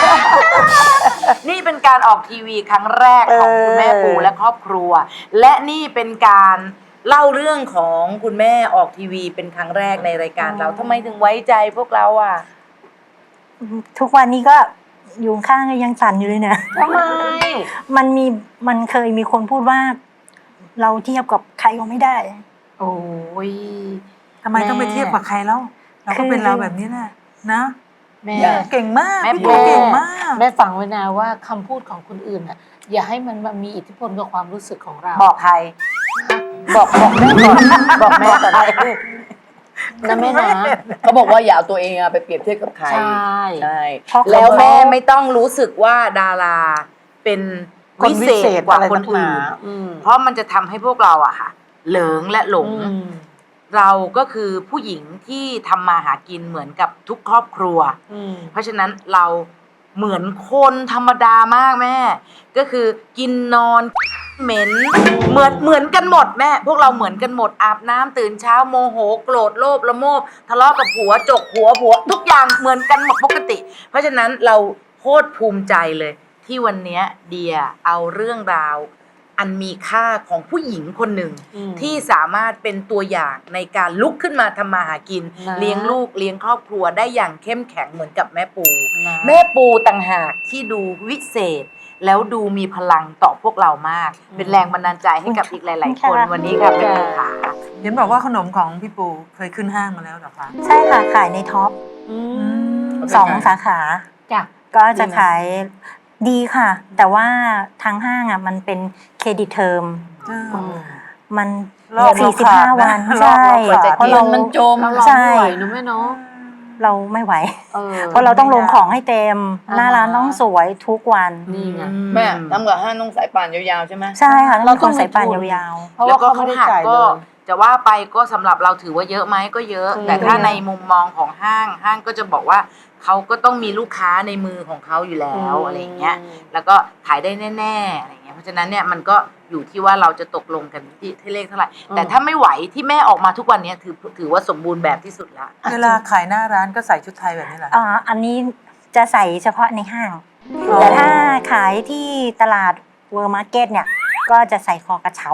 [SPEAKER 2] นี่เป็นการออกทีวีครั้งแรกของคุณแม่ปูและครอบครัว และนี่เป็นการเล่าเรื่องของคุณแม่ออกทีวีเป็นครั้งแรกในรายการเราทำไมถึงไว้ใจพวกเราอ่ะ
[SPEAKER 6] ทุกวันนี้ก็อยู่ข้างก็ยังสั่นอยู่เลยเนี่ย
[SPEAKER 2] ทำไม
[SPEAKER 6] มันมีมันเคยมีคนพูดว่า เราเทียบกับใครก็ไม่ได้
[SPEAKER 2] โอ้ย
[SPEAKER 5] ทำไมต้องไปเทียบกับใครแล้วเราก็เป็นเราแบบนี้แหละนะ
[SPEAKER 3] แม่
[SPEAKER 5] เก่งมาก
[SPEAKER 2] แม่
[SPEAKER 5] พี่ปูเก่งมาก
[SPEAKER 3] แม่ฟังไว้นะว่าคำพูดของคนอื่นอ่ะ อย่าให้มันมามีอิทธิพลกับความรู้สึกของเรา
[SPEAKER 2] บอกใคร บอกบอกแม่ก่อนบอกแม่ก่อน
[SPEAKER 3] นะแม่นะ
[SPEAKER 4] เขาบอกว่าอย่าเอาตัวเองอะไปเปรียบเทียบกับใคร
[SPEAKER 3] ใช่
[SPEAKER 4] ใช่
[SPEAKER 6] เพราะ
[SPEAKER 2] แล้ว
[SPEAKER 6] เขา
[SPEAKER 2] แม่ไม่ต้องรู้สึกว่าดาราเป็น
[SPEAKER 5] คน
[SPEAKER 2] วิ
[SPEAKER 5] วิ
[SPEAKER 2] เศ
[SPEAKER 5] เศ
[SPEAKER 2] ษ
[SPEAKER 5] ษ
[SPEAKER 2] กว่า
[SPEAKER 5] อะไร
[SPEAKER 2] คน
[SPEAKER 5] นักหนา
[SPEAKER 2] อื่น
[SPEAKER 3] อืม
[SPEAKER 2] เพราะมันจะทำให้พวกเราอะค่ะ เหลิงและหลง
[SPEAKER 3] อืม
[SPEAKER 2] เราก็คือผู้หญิงที่ทำมาหากินเหมือนกับทุกครอบครัว
[SPEAKER 3] อืม
[SPEAKER 2] เพราะฉะนั้นเราเหมือนคนธรรมดามากแม่ ก็คือกินนอนเหม็นเหมือนเหมือนกันหมดแม่ พวกเราเหมือนกันหมดอาบน้ำตื่นเช้าโมโหโกรธโลภละโมบทะเลาะกับผัวจกหัวผัว ทุกอย่างเหมือนกันหมดปกติ เพราะฉะนั้นเราโคตรภูมิใจเลย ที่วันเนี้ยเดียเอาเรื่องราว อันมีค่าของผู้หญิงคนหนึ่ง
[SPEAKER 3] อืม
[SPEAKER 2] ที่สามารถเป็นตัวอย่างในการลุกขึ้นมาทำมาหากิน
[SPEAKER 3] นะ
[SPEAKER 2] เลี้ยงลูกเลี้ยงครอบครัวได้อย่างเข้มแข็งเหมือนกับแม่ปู
[SPEAKER 3] นะ
[SPEAKER 2] แม่ปูต่างหากที่ดูวิเศษ แล้วดูมีพลังต่อพวกเรามาก เป็นแรงบันดาลใจให้กับอีกหลาย ๆ คน
[SPEAKER 6] ค่ะ
[SPEAKER 2] วันนี้ค่ะแม่ปูขา
[SPEAKER 5] เห็นบอกว่าขนมของพี่ปูเคยขึ้นห้างมาแล้วเหรอคะ
[SPEAKER 6] ใช่ค่ะขายในท็อป
[SPEAKER 3] อืม
[SPEAKER 6] สองสาขา
[SPEAKER 3] จ้ะ
[SPEAKER 6] ก็จะ
[SPEAKER 3] ดีไหม
[SPEAKER 6] ขายดีค่ะ แต่ว่าทางห้างอ่ะมันเป็นเครดิตเทอม มัน
[SPEAKER 5] รอบ
[SPEAKER 6] สี่สิบห้า
[SPEAKER 5] เราขาดนะ
[SPEAKER 6] วัน
[SPEAKER 5] รอบ
[SPEAKER 6] ใช่
[SPEAKER 5] เราขาด
[SPEAKER 6] เพราะเรา
[SPEAKER 4] มันจม
[SPEAKER 3] เราลอง
[SPEAKER 6] ใช่
[SPEAKER 3] ไม่ไหวนะแม่เนาะ
[SPEAKER 6] เราไม่ไหว
[SPEAKER 3] เออ
[SPEAKER 6] เพราะเราต้องลงของให้เต็ม
[SPEAKER 3] อ่า
[SPEAKER 6] หน้าร้านต้องสวยทุกวัน
[SPEAKER 3] นี่ไง
[SPEAKER 4] แม่ทำกับห้างต้องสายป่านยาวๆใช่ไหม
[SPEAKER 6] ใช่ค่ะ
[SPEAKER 3] เรา
[SPEAKER 6] เรา
[SPEAKER 3] ต้
[SPEAKER 6] ต้
[SPEAKER 3] อ
[SPEAKER 6] อง ง
[SPEAKER 3] มี
[SPEAKER 6] ใส่ปาน
[SPEAKER 3] ทุน
[SPEAKER 6] ยาว
[SPEAKER 3] เพราะ
[SPEAKER 2] แล้
[SPEAKER 3] ว่าว
[SPEAKER 2] ก็
[SPEAKER 3] เขาไม่
[SPEAKER 2] เขา
[SPEAKER 3] ได้
[SPEAKER 2] หัก
[SPEAKER 3] จ่ายเล
[SPEAKER 2] ก็
[SPEAKER 3] ย
[SPEAKER 2] จะว่าไปก็สำหรับเราถือว่าเยอะไหมก็เยอะ
[SPEAKER 3] อืม
[SPEAKER 2] แต่ถ้าในมุมมองของห้างห้างก็จะบอกว่าเขาก็ต้องมีลูกค้าในมือของเขาอยู่แล้วอะไรอย่างเงี้ย แล้วก็ขายได้แน่ๆอะไรเงี้ย เพราะฉะนั้นเนี่ยมันก็อยู่ที่ว่าเราจะตกลงกันที่ที่เลขเท่าไหร่ แต่ถ้าไม่ไหวที่แม่ออกมาทุกวันเนี้ยถือถือว่าสมบูรณ์แบบที่สุดละ
[SPEAKER 5] เวลาขายหน้าร้านก็ใส่ชุดไทยแบบนี้แหละ
[SPEAKER 6] ๆอ่าอันนี้จะใส่เฉพาะในห้าง
[SPEAKER 5] อ๋อ
[SPEAKER 6] แต่ถ้าขายที่ตลาดเวอร์มาร์เก็ตเนี่ย ก็จะใส่คอกระเช้า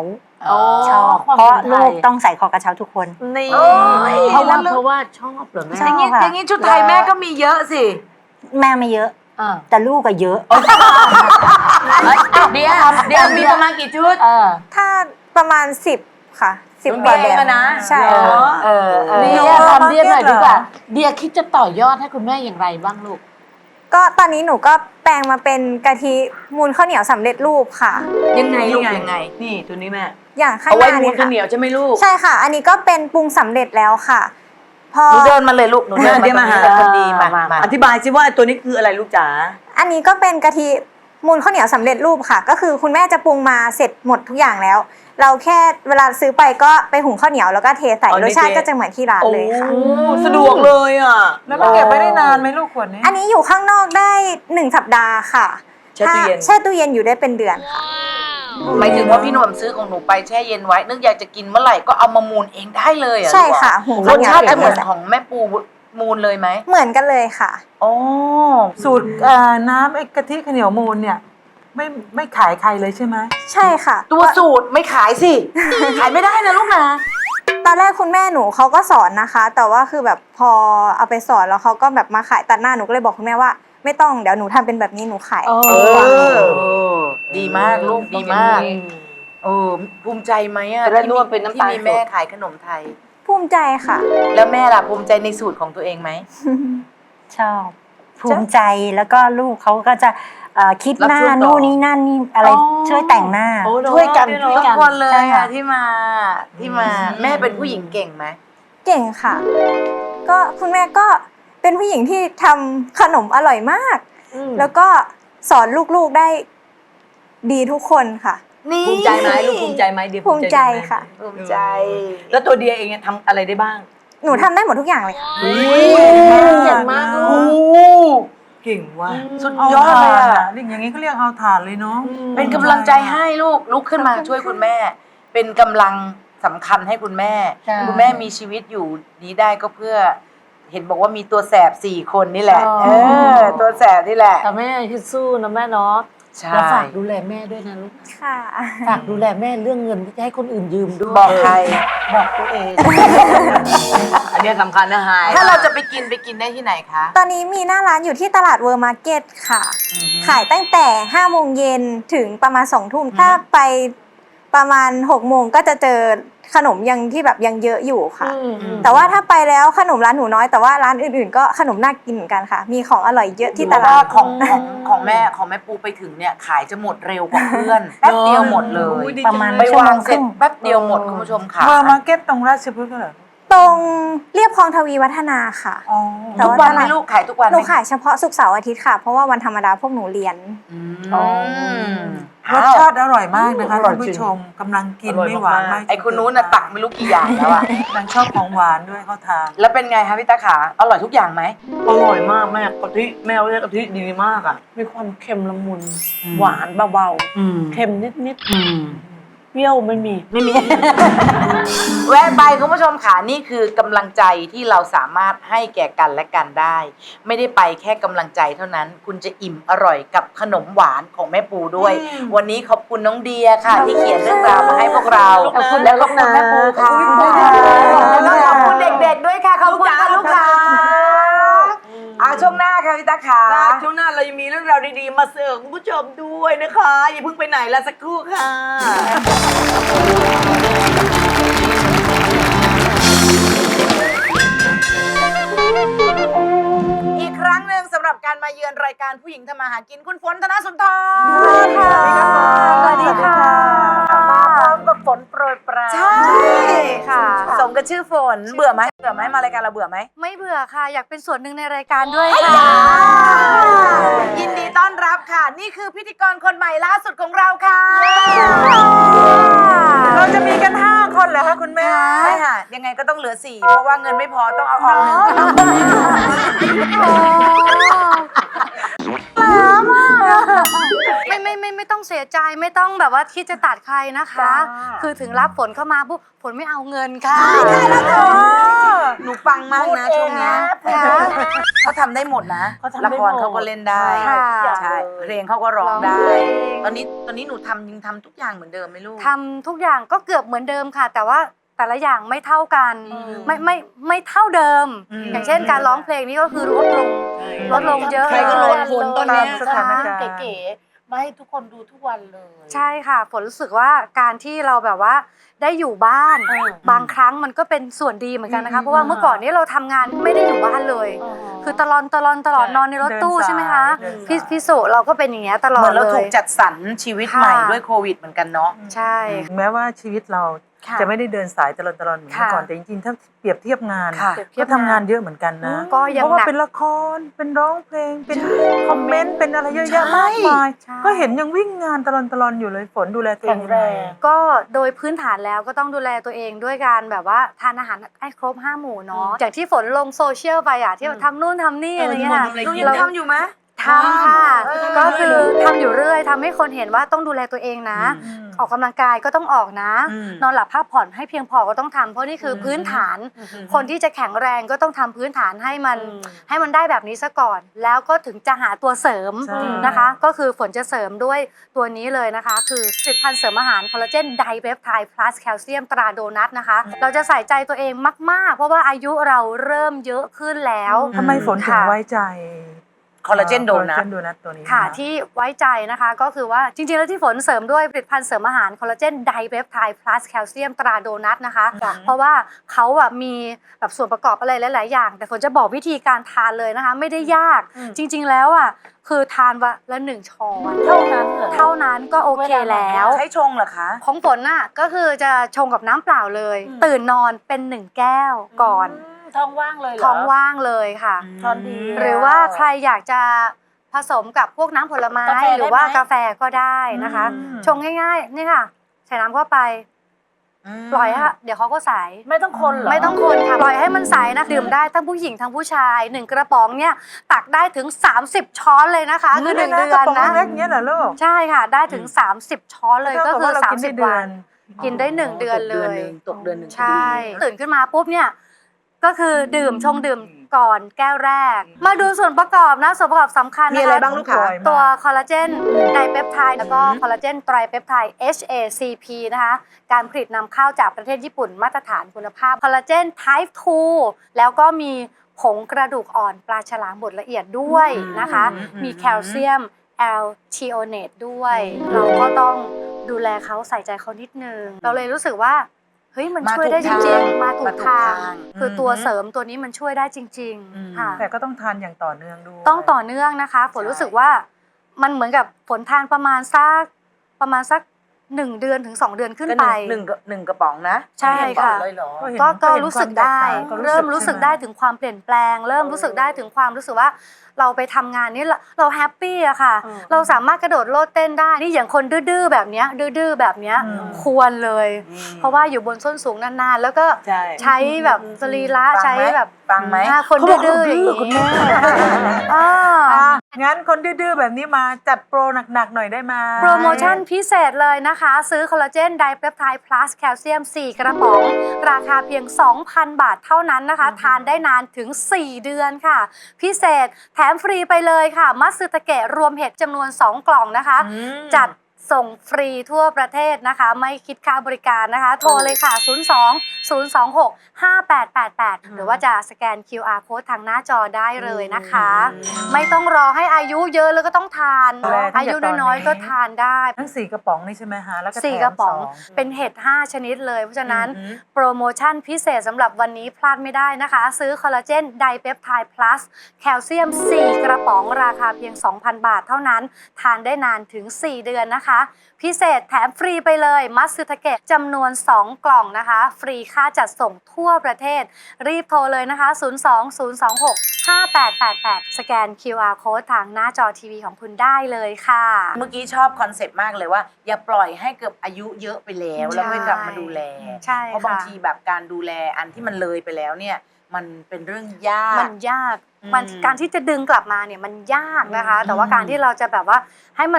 [SPEAKER 6] ชอบ
[SPEAKER 3] ความ
[SPEAKER 6] เพราะ
[SPEAKER 3] เป็นไทย
[SPEAKER 6] ลูกต้องใส่คอกระเช้าทุกคน
[SPEAKER 3] นี่
[SPEAKER 2] โอ้ย
[SPEAKER 3] เพราะว่าเพราะว่าชอบเหรอแม่
[SPEAKER 6] ช
[SPEAKER 2] อ
[SPEAKER 6] อบ
[SPEAKER 2] ย่างนี้
[SPEAKER 6] ค่ะ
[SPEAKER 2] อย่างนี้ชุดไทยแม่ก็มีเยอะสิ
[SPEAKER 6] แม่ไม่เยอะ
[SPEAKER 3] อ่า
[SPEAKER 6] แต่ลูกก็เยอะ
[SPEAKER 4] เดียวเดียวมีประมาณกี่ชุด
[SPEAKER 3] เออ
[SPEAKER 7] ถ้าประมาณสิบค่ะสิบ
[SPEAKER 4] น้อง
[SPEAKER 7] กว่า
[SPEAKER 4] เดีย
[SPEAKER 7] แบบ
[SPEAKER 4] อะนะ
[SPEAKER 7] ใช่
[SPEAKER 2] เอ
[SPEAKER 7] ค่ะ
[SPEAKER 2] อเออเออ
[SPEAKER 3] เดียทำเดียหน่อยดีกว่าเดียคิดจะต่อยอดให้คุณแม่อย่างไรบ้างลูก
[SPEAKER 7] ก็ตอนนี้หนูก็แปลงมาเป็นกะทิมูลข้าวเหนียวสำเร็จรูปค่ะ
[SPEAKER 2] ยังไงลูกยังไง
[SPEAKER 4] นี่ตัวนี้แม่
[SPEAKER 7] อย่างข้าง
[SPEAKER 4] เอา
[SPEAKER 7] ห
[SPEAKER 4] ไว้
[SPEAKER 7] น้า
[SPEAKER 4] มู
[SPEAKER 7] นี้
[SPEAKER 4] นข้าว
[SPEAKER 7] ค่ะ
[SPEAKER 4] เหนียวใช่ไหมลูก
[SPEAKER 7] ใช่ค่ะ อันนี้ก็เป็นปรุงสำเร็จแล้วค่ะ พอ
[SPEAKER 2] หนูเดินมาเลยลูกหนูเดิน
[SPEAKER 4] เดี๋ยว
[SPEAKER 2] มา
[SPEAKER 4] มา
[SPEAKER 2] ตรงนี้
[SPEAKER 4] หา
[SPEAKER 2] เลยคนดีมา
[SPEAKER 3] มา
[SPEAKER 2] มา
[SPEAKER 4] อธิบายสิว่าตัวนี้คืออะไรลูกจ๋า
[SPEAKER 7] อันนี้ก็เป็นกะทิมูลข้าวเหนียวสำเร็จรูปค่ะ ก็คือคุณแม่จะปรุงมาเสร็จหมดทุกอย่างแล้ว เราแค่เวลาซื้อไปก็ไปหุงข้าวเหนียวแล้วก็เทใส่
[SPEAKER 4] อ๋อ
[SPEAKER 7] รสชาติ
[SPEAKER 4] เท
[SPEAKER 7] ก็จะเหมือนที่ร้านเลยค่ะ
[SPEAKER 4] โอ้สะดวกเลยอ่ะ
[SPEAKER 5] แล้วมันเก็บไว้ได้นานไหมลูกขวดนี้
[SPEAKER 7] อันนี้อยู่ข้างนอกได้หนึ่งสัปดาห์ค่ะ
[SPEAKER 4] แช่ตู้เย็น
[SPEAKER 7] ถ้าแช่ตู้เย็นอยู่ได้เป็นเดือนค่ะ
[SPEAKER 2] หมายถึงว่าพี่หนุ่มซื้อของหนูไปแช่เย็นไว้ นึกอยากจะกินเมื่อไหร่ก็เอามามูนเองได้เลยเหรอ่ะ
[SPEAKER 7] ใช่ค่ะหุง
[SPEAKER 2] ร
[SPEAKER 7] ข้าว
[SPEAKER 2] ส
[SPEAKER 7] เหนียว
[SPEAKER 2] ชาติจะ
[SPEAKER 7] เส
[SPEAKER 2] เหมื
[SPEAKER 7] ร็
[SPEAKER 2] อน
[SPEAKER 7] จ
[SPEAKER 2] ของแม่ปูมูนเลยไหม
[SPEAKER 7] เหมือนกันเลยค่ะ
[SPEAKER 2] อ๋อ
[SPEAKER 5] สูตรเอ่อน้ำไอ้กะทิข้าวเหนียวมูลเนี่ยไม่ไม่ขายใครเลยใช่ไหม
[SPEAKER 7] ใช่ค่ะ
[SPEAKER 2] ตัวสูตรไม่ขายสิ ขายไม่ได้นะลูกนะ
[SPEAKER 7] ตอนแรกคุณแม่หนูเขาก็สอนนะคะ แต่ว่าคือแบบพอเอาไปสอนแล้วเขาก็แบบมาขายตัดหน้าหนูก็เลยบอกคุณแม่ว่า ไม่ต้องเดี๋ยวหนูทำเป็นแบบนี้หนูขาย
[SPEAKER 3] เอ
[SPEAKER 2] เอ
[SPEAKER 3] อ
[SPEAKER 2] อ ดีมากลูกดีมากเออภูมิใจไหมอะ
[SPEAKER 4] จะได้
[SPEAKER 2] ที่
[SPEAKER 4] นวดเป็นน้ำตาล
[SPEAKER 2] ที่มีแม่
[SPEAKER 4] สด
[SPEAKER 2] ขายขนมไทย
[SPEAKER 7] ภูมิใจค่ะ
[SPEAKER 2] แล้วแม่ล่ะภูมิใจในสูตรของตัวเองไหม
[SPEAKER 6] ชอบ ภูมิใจแล้วก็ลูกเขาก็จะเอ่อคิด
[SPEAKER 4] รับ
[SPEAKER 6] หน้า
[SPEAKER 4] ช่วงต่อ
[SPEAKER 6] นู่นนี่นั่นนี่อะไร
[SPEAKER 3] อ๋อ
[SPEAKER 6] ช่วยแต่งหน้า
[SPEAKER 4] โอ้เอะ
[SPEAKER 2] ช่วยกัน
[SPEAKER 4] เอะ
[SPEAKER 2] ทุกคนเลย
[SPEAKER 6] ใช่ค่ะ
[SPEAKER 2] อะที่มาที่มา แม่เป็นผู้หญิงเก่งไหม
[SPEAKER 7] เก่งค่ะ ก็คุณแม่ก็เป็นผู้หญิงที่ทำขนมอร่อยมาก แล้วก็สอนลูกๆได้ดีทุกคนค่ะ
[SPEAKER 2] นี่
[SPEAKER 4] ภูมิใจไหมลูกภูมิใจไหมเดีย
[SPEAKER 7] ภูมิใจค่ะ
[SPEAKER 2] ภูมิใจ
[SPEAKER 4] แล้วตัวเดียเองเนี่ยทำอะไรได้บ้าง
[SPEAKER 7] หนูทำได้หมดทุกอย่างเลยค่ะ
[SPEAKER 3] เก่งมากลู
[SPEAKER 2] โอ้
[SPEAKER 3] ก
[SPEAKER 4] เก่งว่ะ
[SPEAKER 2] สุด
[SPEAKER 5] เอา
[SPEAKER 2] ยอดเลย
[SPEAKER 5] ถ่าน
[SPEAKER 2] อะ
[SPEAKER 5] อะอย่างนี้เขาเรียกเอาถ่านเลยเนาะ
[SPEAKER 2] เป็นกำลังใจให้ลูกลุกขึ้นมาช่วยคุณแม่ เป็นกำลังสำคัญให้คุณแม่
[SPEAKER 3] ใช่
[SPEAKER 2] คุณแม่มีชีวิตอยู่นี้ได้ก็เพื่อ เห็นบอกว่ามีตัวแสบสี่คนนี่แหละ
[SPEAKER 3] อ๋อ
[SPEAKER 2] เออ ตัวแสบนี่แหละ
[SPEAKER 3] แต่แม่คิดสู้นะแม่เนาะ
[SPEAKER 2] ใช่
[SPEAKER 3] แล้วฝากดูแลแม่ด้วยนะลูก
[SPEAKER 7] ค่ะ
[SPEAKER 3] ฝากดูแลแม่เรื่องเงินที่จะให้คนอื่นยืมด้วย
[SPEAKER 2] บอกใคร
[SPEAKER 3] บอกตัวเอง
[SPEAKER 4] อันเนี้ยสำคัญนะไฮ
[SPEAKER 2] ถ้าเราจะไปกินไปกินได้ที่ไหนคะ
[SPEAKER 7] ตอนนี้มีหน้าร้านอยู่ที่ตลาดเวอร์มาร์เก็ตค่ะ ขายตั้งแต่ห้าโมงเย็นถึงประมาณสองทุ่ม ถ้าไปประมาณหกโมงก็จะเจอขนมยังที่แบบยังเยอะอยู่ค่ะ
[SPEAKER 3] อืมอืม
[SPEAKER 7] แต่ว่าถ้าไปแล้วขนมร้านหนูน้อย แต่ว่าร้านอื่นๆ ก็ขนมน่ากินเหมือนกันค่ะ มีของอร่อยเยอะที่
[SPEAKER 2] เพ
[SPEAKER 7] ต
[SPEAKER 2] ราะ
[SPEAKER 7] ลา
[SPEAKER 2] ว่า
[SPEAKER 7] ด
[SPEAKER 2] ของของของแม่ของแม่ปูไปถึงเนี่ยขายจะหมดเร็วกว่าเพื่อนแป๊บเดียวหมดเลย
[SPEAKER 6] ประมาณ
[SPEAKER 2] ไป
[SPEAKER 6] ชั่ว
[SPEAKER 2] วา
[SPEAKER 6] โม
[SPEAKER 2] ง
[SPEAKER 6] ง
[SPEAKER 2] เส
[SPEAKER 6] ค
[SPEAKER 2] ร็
[SPEAKER 6] รึ่
[SPEAKER 2] จ
[SPEAKER 6] ง
[SPEAKER 2] แป๊บเดียวหมดคุณผู้ชมค่ะ
[SPEAKER 5] เวอร์มาร์เก็ตตรงราชพฤกษ์เหรอ
[SPEAKER 7] ตรงเรียบคลองทวีวัฒนาค่ะ
[SPEAKER 5] อ๋อ
[SPEAKER 7] แต่
[SPEAKER 2] ทุก
[SPEAKER 7] ว่า
[SPEAKER 2] วันไหม
[SPEAKER 7] ตลาด
[SPEAKER 2] ลูกขายทุกวัน
[SPEAKER 7] ห
[SPEAKER 2] ไห
[SPEAKER 7] นู
[SPEAKER 2] ม
[SPEAKER 7] ขายเฉพาะศุกร์เสาร์อาทิตย์ค่ะ เพราะว่าวันธรรมดาพวกหนูเรียน
[SPEAKER 2] อืม
[SPEAKER 3] อ๋อ
[SPEAKER 5] รสชาติอร่อยมากนะคะ
[SPEAKER 3] อร่อย
[SPEAKER 5] ท่าน
[SPEAKER 3] จริ
[SPEAKER 5] ผู้
[SPEAKER 3] ง
[SPEAKER 5] ชมกำลังกินไม่หวานมาก
[SPEAKER 2] ไอ้คุณนู้นน่ะตักไม่รู้กี่อย่างแล้วอะ
[SPEAKER 5] นางชอบของหวานด้วยเขาทาน
[SPEAKER 2] แล้วเป็นไงคะพี่ตาขาอร่อยทุกอย่างไหม
[SPEAKER 4] อร่อยมากแม่กะทิแม่เรียกกะทิดีมากอ่ะ
[SPEAKER 3] มีความเค็มละมุน
[SPEAKER 2] อืม
[SPEAKER 3] หวานเบา
[SPEAKER 2] อืม
[SPEAKER 3] ๆ เค็มนิดๆเปรี้ยวไม่มี
[SPEAKER 2] ไม่มี แวะไปคุณผู้ชมค่ะนี่คือกำลังใจที่เราสามารถให้แก่กันและกันได้ ไม่ได้ไปแค่กำลังใจเท่านั้น คุณจะอิ่มอร่อยกับขนมหวานของแม่ปูด้วย วันนี้ขอบคุณน้องเดียค่ะ ที่เขียนเรื่องราวมาให้พวกเรา
[SPEAKER 3] ขอบคุณ
[SPEAKER 2] และขอบคุณแม่ปูค่ะ
[SPEAKER 3] ขอบคุณค่ะ
[SPEAKER 2] แล้วก็ขอบคุณเด็กๆด้วยค่ะขอบคุณค่ะลูกค้าอ่ะช่วงหน้าค่ะพี่ตาขา
[SPEAKER 4] ช่วงหน้าเรายังมีเรื่องราวดีๆ มาเสิร์ฟคุณผู้ชมด้วยนะคะ อย่าเพิ่งไปไหนละสักครู่ค่ะ
[SPEAKER 2] อีกครั้งหนึ่งสำหรับการมาเยือนรายการผู้หญิงทำมาหากินคุณฝนธนสุนทร
[SPEAKER 7] สวัสดีค่ะ
[SPEAKER 2] มาพร้อมกับฝนโปรยปราย
[SPEAKER 7] ใช่ค่ะ
[SPEAKER 2] สมกับชื่อฝนเบื่อไหมเบื่อไหมมารายการเราเบื่อไหม
[SPEAKER 7] ไม่เบื่อค่ะ อยากเป็นส่วนหนึ่งในรายการด้วยค่ะ
[SPEAKER 2] ยินดีต้อนรับค่ะ นี่คือพิธีกรคนใหม่ล่าสุดของเราค่ะ
[SPEAKER 5] เราจะมีกันห้าคนเหรอคะคุณแม่
[SPEAKER 2] ไม่ค่ะ ยังไงก็ต้องเหลือสี่เพราะว่าเงินไม่พอต้องเอาออกหนึ่ง
[SPEAKER 9] ไม่ไม่ไม่ไม่ต้องเสียใจไม่ต้องแบบว่าคิดจะตัดใครนะคะ คือถึงรับฝนเข้ามาปุ๊บฝนไม่เอาเงินค่ะ
[SPEAKER 2] เหนูฟังมากนะช่วงเนี้ย
[SPEAKER 9] ค่ะ
[SPEAKER 2] เขาทำได้หมดนะ
[SPEAKER 3] เขาทำ
[SPEAKER 2] ละ
[SPEAKER 3] ได้
[SPEAKER 2] ค
[SPEAKER 3] หม
[SPEAKER 2] ร
[SPEAKER 3] ด
[SPEAKER 2] เขาก็เล่นได้
[SPEAKER 9] ค่ะ
[SPEAKER 2] ใช่เพลงเขาก็ร้องได้
[SPEAKER 9] ร้องเพลง
[SPEAKER 2] ตอนนี้ตอนนี้หนูทำยังทำทุกอย่างเหมือนเดิมไหมลูก
[SPEAKER 9] ทำทุกอย่างก็เกือบเหมือนเดิมค่ะ แต่ว่าแต่ละอย่างไม่เท่ากัน
[SPEAKER 2] อืม
[SPEAKER 9] ไม่ไม่ไม่เท่าเดิม
[SPEAKER 2] อืม
[SPEAKER 9] อย่างเช่นการร้องเพลงนี่ก็คือลดลงลดลงเยอะ
[SPEAKER 4] ใครก็ลดผลตอนเนี้ย
[SPEAKER 5] สถานการณ์
[SPEAKER 3] เก๋ๆมาให้ทุกคนดูทุกวันเลย
[SPEAKER 9] ใช่ค่ะฝนรู้สึกว่าการที่เราแบบว่าได้อยู่บ้าน
[SPEAKER 3] อืม
[SPEAKER 9] บางครั้งมันก็เป็นส่วนดีเหมือนกันนะคะ
[SPEAKER 3] อืม
[SPEAKER 9] เพราะว่าเมื่อก่อนนี้เราทำงานไม่ได้อยู่บ้านเลย คือตลอนตลอนตลอด
[SPEAKER 3] ใช่
[SPEAKER 9] นอนในรถตู้
[SPEAKER 5] เดินสาย
[SPEAKER 9] ใช่ไหมคะ
[SPEAKER 5] เดินสาย
[SPEAKER 9] พี่พี่สุเราก็เป็นอย่างเงี้ยตลอ
[SPEAKER 2] เหมื
[SPEAKER 9] ด
[SPEAKER 2] อนเรา
[SPEAKER 9] เล
[SPEAKER 2] ถู
[SPEAKER 9] ย
[SPEAKER 2] กจัดสรรชีวิต
[SPEAKER 9] ค่ะ
[SPEAKER 2] ใหม่ด้วยโควิดเหมือนกันเนาะ
[SPEAKER 9] ใช่
[SPEAKER 5] แม้ว่าชีวิตเรา
[SPEAKER 9] ค่ะ
[SPEAKER 5] จะไม่ได้เดินสายตลอดตลอดเหมือนเมื่อก่อน
[SPEAKER 9] ค่ะ
[SPEAKER 5] แต่จริงๆถ้าเปรียบเทียบงาน
[SPEAKER 2] ค่ะ
[SPEAKER 5] ก็ทำงานเยอะเหมือนกันนะ
[SPEAKER 9] ก็ยัง
[SPEAKER 5] เพราะว่า
[SPEAKER 9] หนัก
[SPEAKER 5] เป็นละครเป็นร้องเพลงเป็นคอมเมนต์เป็นอะไรเยอะแยะมากมาย
[SPEAKER 9] ใช่
[SPEAKER 5] ก็เห็นยังวิ่งงานตลอดตลอดอยู่เลยฝนดูแลตัวเองยังไง
[SPEAKER 3] แข็งแรง
[SPEAKER 9] ก็โดยพื้นฐานแล้วก็ต้องดูแลตัวเองด้วยการแบบว่าทานอาหารให้ครบห้าหมู่เนาะอย่างที่ฝนลงโซเชียลไปอ่ะที่ทำนู่นทำนี่อะไรเงี้ยค่ะ
[SPEAKER 2] หนูยังทำอยู่ไหม
[SPEAKER 9] ทำค่ะ
[SPEAKER 2] เออ
[SPEAKER 9] ก็คือทำอยู่เรื่อยทำให้คนเห็นว่าต้องดูแลตัวเองนะ
[SPEAKER 5] อืม
[SPEAKER 9] ออกกำลังกายก็ต้องออกนะ
[SPEAKER 2] อืม
[SPEAKER 9] นอนหลับพักผ่อนให้เพียงพอก็ต้องทำเพราะนี่คือพื้นฐาน คนที่จะแข็งแรงก็ต้องทำพื้นฐานให้มัน
[SPEAKER 3] อืม
[SPEAKER 9] ให้มันได้แบบนี้ซะก่อน แล้วก็ถึงจะหาตัวเสริม
[SPEAKER 5] ใช่
[SPEAKER 9] นะคะ ก็คือฝนจะเสริมด้วยตัวนี้เลยนะคะ คือผลิตภัณฑ์เสริมอาหารคอลลาเจนไดเปปไทด์พลัสแคลเซียมตราโดนัทนะคะ เราจะใส่ใจตัวเองมาก ๆ เพราะว่าอายุเราเริ่มเยอะขึ้นแล้ว
[SPEAKER 5] ทำไมฝนถึง
[SPEAKER 9] ค่ะ
[SPEAKER 5] ไว้ใจ
[SPEAKER 2] คอลลาเจนโดนัท
[SPEAKER 5] คอลลาเจนโดนัทตัวนี้
[SPEAKER 9] ค่ะ
[SPEAKER 5] น
[SPEAKER 9] ที่ไว้ใจนะคะก็คือว่าจริงๆแล้วที่ฝนเสริมด้วยผลิตภัณฑ์เสริมอาหารคอลลาเจนไดเปปไทด์พลัสแคลเซียมตราโดนัทนะคะ เพราะว่าเขาอะมีแบบส่วนประกอบอะไรหลาย ๆ อย่าง แต่ฝนจะบอกวิธีการทานเลยนะคะ ไม่ได้ยากจริง ๆ แล้วอะคือทานวันละหนึ่งช้อน
[SPEAKER 3] เท่านั้นเหรอ
[SPEAKER 9] เท่านั้นก็โอเคแล้ว
[SPEAKER 2] ใช้ชงเหรอคะ
[SPEAKER 9] ของฝนน่ะก็คือจะชงกับน้ำเปล่าเลย ตื่นนอนเป็นหนึ่งแก้วก่อน
[SPEAKER 3] ท้องว่างเลยเหรอ
[SPEAKER 9] ท้องว่างเลยค่ะ
[SPEAKER 3] ตอนดี
[SPEAKER 9] หรือว่าใครอยากจะผสมกับพวกน้ำผลไม้
[SPEAKER 3] กาแฟได้ไหม
[SPEAKER 9] หรือว่ากาแฟก็ได้นะคะ
[SPEAKER 5] อืม
[SPEAKER 9] ชงง่ายๆนี่ค่ะ ใส่น้ำเข้าไป ปล่อยฮะเดี๋ยวเขาก็ใส
[SPEAKER 3] ไม่ต้องคนเหรอ
[SPEAKER 9] ไม่ต้องคนค่ะปล่อยให้มันใสนะดื่มได้ทั้งผู้หญิงทั้งผู้ชายหนึ่งกระป๋องเนี่ยตักได้ถึงสามสิบช้อนเลยนะคะคือหนึ่งเดือน
[SPEAKER 5] กระป๋อง
[SPEAKER 9] นะ
[SPEAKER 5] เล็กเนี้ยเหรอลูก
[SPEAKER 9] ใช่ค่ะ ได้ถึงสามสิบช้อนเลยก็คือ
[SPEAKER 5] เท่
[SPEAKER 9] สา
[SPEAKER 5] กับ
[SPEAKER 9] ม
[SPEAKER 5] ว่
[SPEAKER 9] สิบ
[SPEAKER 5] เร
[SPEAKER 9] วัน กินได้หนึ่งเดือนเลย
[SPEAKER 2] ตกเดือนหนึ่ง
[SPEAKER 9] ใช่ ตื่นขึ้นมาปุ๊บเนี่ยก็คือดื่มชงดื่มก่อนแก้วแรก มาดูส่วนประกอบนะส่วนประกอบสำคัญนะคะ
[SPEAKER 2] มีอะไรบ้างลูกคะ
[SPEAKER 9] ตัวคอลลาเจนไดเปปไทด์แล้วก็คอลลาเจนไตรเปปไทด์ เอช เอ ซี พี นะคะการผลิตนำเข้าจากประเทศญี่ปุ่นมาตรฐานคุณภาพคอลลาเจน Type ทูแล้วก็มีผงกระดูกอ่อนปลาฉลามบดละเอียดด้วยนะคะ มีแคลเซียมแอลทีโอเนตด้วย เราก็ต้องดูแลเขาใส่ใจเขานิดนึง เราเลยรู้สึกว่าเฮ้ยมันช่วยได้จริงๆ มาถูกทาง คือตัวเสริมตัวนี้มันช่วยได้จริง ๆ ค่ะ
[SPEAKER 5] แต่ก็ต้องทานอย่างต่อเนื่องด้วย
[SPEAKER 9] ต้องต่อเนื่องนะคะฝนรู้สึกว่ามันเหมือนกับฝนทานประมาณสักประมาณสักหนึ่งเดือนถึงสองเดือนขึ้น
[SPEAKER 2] ก็
[SPEAKER 9] ไป
[SPEAKER 2] หนึ่งหนึ่งหนึ่งกระป๋องนะ
[SPEAKER 9] ใช่ค่ะ
[SPEAKER 2] เลยเหรอ
[SPEAKER 5] เห็น
[SPEAKER 9] ก็ก็
[SPEAKER 5] เห็น
[SPEAKER 9] รู้สึกได้
[SPEAKER 5] ความแตกต่าง
[SPEAKER 9] เริ่มรู้สึกได้
[SPEAKER 5] ใช่ห
[SPEAKER 9] ถึงความเปลี่ยนแปลง เริ่มรู้สึกได้ถึงความรู้สึกว่า เราไปทำงานนี้เราเราแฮปปี้อะค่ะ เราสามารถกระโดดโลดเต้นได้นี่อย่างคนดื้อๆแบบเนี้ยดื้อๆแบบเนี้ย
[SPEAKER 5] อืม
[SPEAKER 9] ควรเลย เพราะว่าอยู่บนส้นสูงนานๆ แล้วก็
[SPEAKER 2] ใช่
[SPEAKER 9] ใช้แบบสรีระ
[SPEAKER 2] ฟังไหม
[SPEAKER 9] ใช้แบบ
[SPEAKER 2] ฟังไหม
[SPEAKER 9] อ่าคนดื้อๆอย่างนี้
[SPEAKER 5] คุณแม่
[SPEAKER 9] อ่า
[SPEAKER 5] อ่ะงั้นคนดื้อๆแบบนี้มาจัดโปรหนักๆหน่อยได้ไหม
[SPEAKER 9] โปรโมชั่นพิเศษเลยนะคะ ซื้อคอลลาเจนไดเปปไทด์พลัสแคลเซียมสี่กระป๋อง ราคาเพียง สองพัน บาทเท่านั้นนะคะ ทานได้นานถึง สี่ เดือนค่ะ พิเศษแถมฟรีไปเลยค่ะ มัตสึตะเกะรวมเห็ดจำนวน สอง กล่องนะคะ
[SPEAKER 2] อืม
[SPEAKER 9] จัดส่งฟรีทั่วประเทศนะคะ ไม่คิดค่าบริการนะคะ โทรเลยค่ะ ศูนย์ สอง ศูนย์ สอง หก ห้า แปด แปด แปด หรือว่าจะสแกน คิว อาร์ Code ทางหน้าจอได้เลยนะคะ ไม่ต้องรอให้อายุเยอะแล้วก็ต้องทาน อายุน้อยๆก็ทานได้
[SPEAKER 5] ทั้งสี่กระป๋องนี่ใช่ไหมฮะแล้วก็แถม
[SPEAKER 9] สี่กระป๋อง
[SPEAKER 5] ส
[SPEAKER 9] เป็นเห็ดห้าชนิดเลย เพราะฉะนั้น
[SPEAKER 2] อือหือ
[SPEAKER 9] โปรโมชั่นพิเศษสำหรับวันนี้พลาดไม่ได้นะคะ ซื้อคอลลาเจนไดเปปไทด์พลัสแคลเซียม สี่ กระป๋องราคาเพียง สองพัน บาทเท่านั้น ทานได้นานถึง สี่ เดือนนะคะ พิเศษแถมฟรีไปเลยมัตสึทาเกะจำนวน สอง กล่องนะคะ ฟรีค่าจัดส่งทั่วประเทศ รีบโทรเลยนะคะ ศูนย์ สอง ศูนย์ สอง หก ห้า แปด แปด แปด สแกน คิว อาร์ Code ทางหน้าจอทีวีของคุณได้เลยค่ะ
[SPEAKER 2] เมื่อกี้ชอบคอนเซ็ปต์มากเลยว่า อย่าปล่อยให้เกือบอายุเยอะไปแล้ว แล้วไม่กลับมาดูแล
[SPEAKER 9] ใช่
[SPEAKER 2] เพราะบาง
[SPEAKER 9] ค่ะ
[SPEAKER 2] ทีแบบการดูแลอันที่มันเลยไปแล้วเนี่ย มันเป็นเรื่องยาก
[SPEAKER 9] มันยาก
[SPEAKER 2] อืม
[SPEAKER 9] มันการที่จะดึงกลับมาเนี่ยมันยากนะคะ
[SPEAKER 2] อืม
[SPEAKER 9] แต่ว่าการที่เราจะแบบว่าให้มัน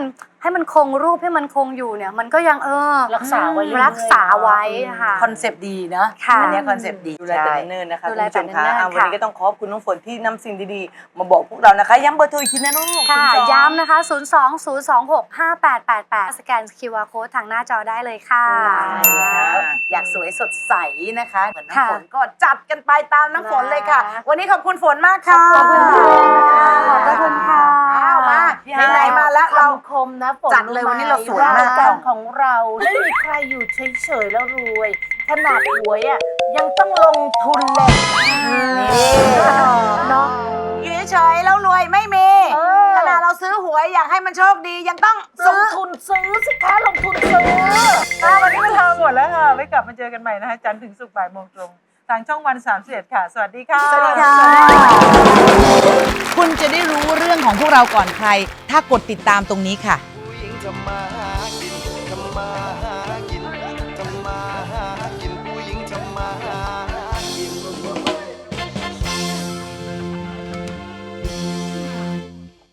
[SPEAKER 9] ให้มันคงรูปให้มันคงอยู่เนี่ย มันก็ยังเออ
[SPEAKER 3] รักษาไว้เรื่อยๆ
[SPEAKER 9] รักษาไว้ค่ะ
[SPEAKER 2] คอนเซปต์ดีเนาะ
[SPEAKER 9] ค่ะ
[SPEAKER 2] อันเนี้คอนเซปต์ดี
[SPEAKER 4] ดูแลแต่เนิ่นๆนะคะ
[SPEAKER 9] ดู
[SPEAKER 4] คุณ
[SPEAKER 9] แล
[SPEAKER 4] ผู้ช
[SPEAKER 9] แต่
[SPEAKER 4] ม
[SPEAKER 9] เนิ่
[SPEAKER 4] คะ
[SPEAKER 9] นๆ
[SPEAKER 4] อ่ะวันนี้
[SPEAKER 9] ค่ะ
[SPEAKER 4] ก็ต้องขอบคุณน้องฝนที่นำสิ่งดีๆ มาบอกพวกเรานะคะ ย้ำเบอร์โทรอีกทีนะลูก
[SPEAKER 9] ค่ะ
[SPEAKER 4] ศูนย์สอง
[SPEAKER 9] ย้ำนะคะ ศูนย์ สอง ศูนย์ สอง หก ห้า แปด แปด แปด สแกน คิว อาร์ Code ทางหน้าจอได้เลยค่ะ
[SPEAKER 2] อยากสวยสดใสนะคะ เหมือนน้ำ
[SPEAKER 9] ค่ะ
[SPEAKER 2] ฝนก็จัดกันไปตามน้ำฝนเลยค่ะ วันนี้ขอบคุณฝนมากค่ะ
[SPEAKER 9] ขอบคุณค่ะขอบคุณค่ะ
[SPEAKER 2] อ้าวมาไหนๆมาแล้วเรา
[SPEAKER 3] คมนะฝน
[SPEAKER 2] จัดเลยวันนี้เราสวยมาก
[SPEAKER 3] การของเราไม่มีใครอยู่เฉยๆแล้วรวย ขนาดหวยอ่ะยังต้องลงทุนเลย
[SPEAKER 2] เนาะอยู่เฉยๆแล้วรวยไม่มี
[SPEAKER 3] เออ
[SPEAKER 2] ขนาดเราซื้อหวยอยากให้มันโชคดียังต้อง
[SPEAKER 3] ล
[SPEAKER 2] ซื้
[SPEAKER 3] ง
[SPEAKER 2] อ
[SPEAKER 3] ทุนซื้อสิคะลงทุนซื้อ
[SPEAKER 5] ค่ะวันนี้เวลาหมดแล้วค่ะ ไว้กลับมาเจอกันใหม่นะคะจันทร์ถึงศุกร์บ่ายโมงตรง ทางช่องวันสามสิบเอ็ดค่ะ สวัสดีค่ะ
[SPEAKER 2] สวัสดีค่ะ
[SPEAKER 10] คุณจะได้รู้เรื่องของพวกเราก่อนใคร ถ้ากดติดตามตรงนี้ค่ะ
[SPEAKER 11] ผู้หญิงทำมาหากินทำมาหากิน